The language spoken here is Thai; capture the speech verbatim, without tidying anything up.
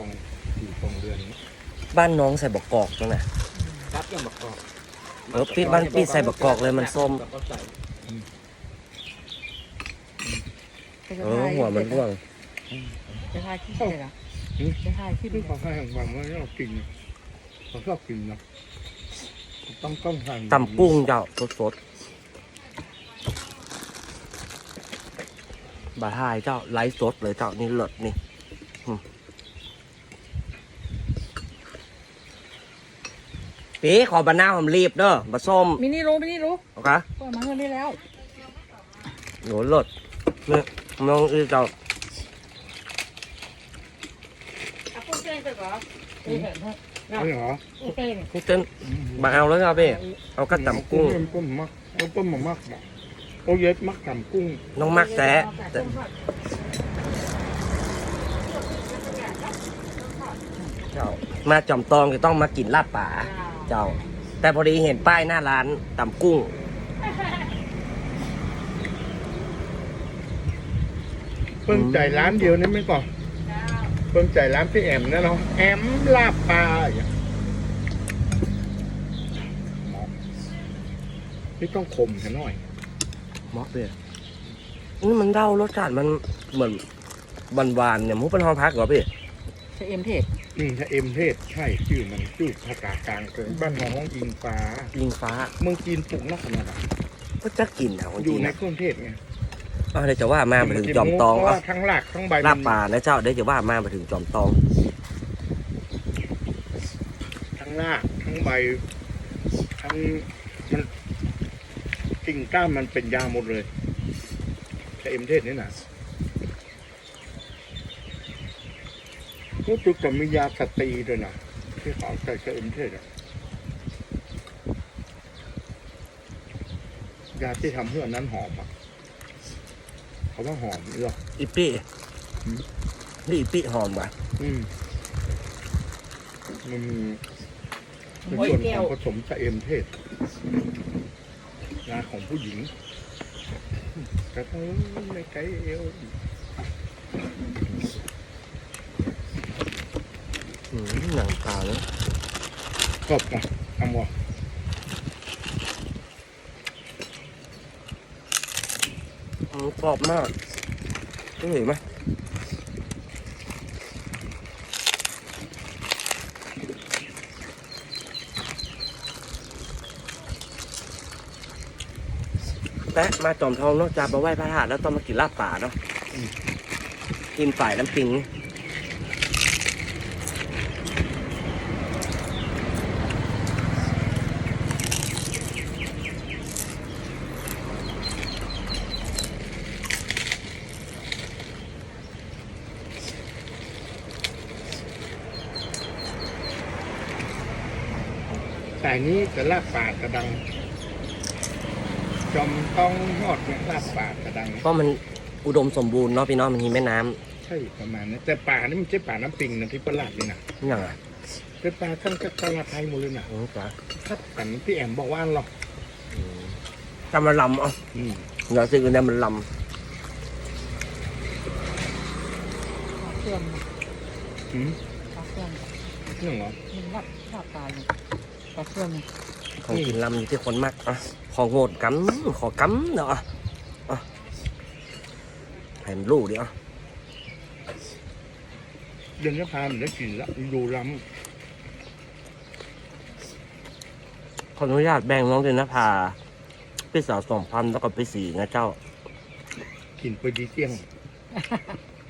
องสี่สองเดือนบ้านน้องใส่บกกอกนั่นน่ะรับยังบักกอกเออพี่บ้านพี่ใส่บกกอกเลยมันส้มเออหัวมันร่วงจะทายขี้เลยเหรอจะทายขี้ที่เขาให้ของบังว่าเรากินเขาชอบกินเนาะต้องต้องทานตำกุ้งเจ้าสดๆบาทายเจ้าไลฟ์สดเลยเจ้านี่เลิศนี่ปีขอบะนาวผมรีบเด้อบะส้มมินี่รู้มินี่รู้โอเคก็มาเงินได้แล้วหนูเลิศเนี่ยน้องอือเจ้าอ่ะพูดเต้นไปก่อนเต้นไม่เหรอเต้นนี่เต้นมาเอาแล้วครับพี่เอากระตำกุ้งกุ้งมักกุ้งมักมักโอเย็ดมักตำกุ้งน้องมักแท้แต่เจ้ามาจอมตองจะต้องมากินลาบป่าเจ้า แต่พอดีเห็นป้ายหน้าร้านตำกุ้งเพิ่งใจร้านเดียวนี่ไม่ก่อนเพิ่งใจร้านพี่แอมนะเนาะแอมลาบปลาอย่างนี่ต้องคมแค่น้อยมอกเลยนี่มันเด้ารสชาติมันเหมือนหวานๆเนี่ยมุกเป็นห้องพักเหรอพี่ใช้เอ็มเทปอืมถ้าเอ็มเทศใช่ชื่อมันชื่อภาษากลางเกินบ้านน้องอิงฟ้ายิงฟ้าเมืองจีนปลูกนักขนาดไหนก็จะกินแถวคนอยู่จีนในนะเครื่องเทศไงอ้าวเดี๋ยวจะว่ามามาถึงจอมตองเพราะอ่ะว่าทั้งหลักทั้งใบลาบป่านะเจ้าเดี๋ยวจะว่ามามาถึงจอมตองทั้งรากทั้งใบทั้งมันกิ่งก้านมันเป็นยาหมดเลยแต่เอ็มเทศนี่นะรู้สึกจะมียาสตรีด้วยนะที่เขาใส่กับเอ็มเทศอะยาที่ทำให้อันนั้นหอมอะเขาว่าหอมหรออีปี้นี่อีปี้หอมว่ะอืมมันมีเป็นส่วนของผสมชะเอมเทศยาของผู้หญิงกระทั่งในไกเอวอืมหนังปลาเลยกรอบนะทำวะอืมกรอบมากต้องเห็นไหมและมาจอมทองนอกจากมาไหว้พระธาตุแล้วต้องมากินลาบป่าเนาะกินฝ่ายน้ำปิงแต่นี้จะลาบป่ากระดัง จอมต้องยอดเนี่ยลาบป่ากระดังเพราะมันอุดมสมบูรณ์เนาะพี่น้องมันมีแม่น้ำใช่ประมาณนี้แต่ป่านี่มันใช่ป่าน้ำปิงนะที่ประหลาดนี่นะอย่างไรเป็นป่าทั้งกตลาดไทยหมดเลยนะโอ้จ้ะถ้ากันพี่แอมบอกว่าหรอกจำมันลำอ่ะอืมเดี๋ยวซื้อกันเนี่ยมันลเครื่องอืมปลาเครื่องเรื่องเหรอมันรับชอบตายอยู่ปลาเครื่องำของกินลำอยู่ที่คนมากอ่ะของโงดกำขอกำเนาะอ่ะอ่ะให้มันรู้ดิอ่ะเดือนนี้พามันได้กินละดูล้ขออนุญาตแบ่งน้องเดนนภาพี่สาวสองพันแล้วก็พี่สี่นะเจ้าำกินไปดีเตี้ยง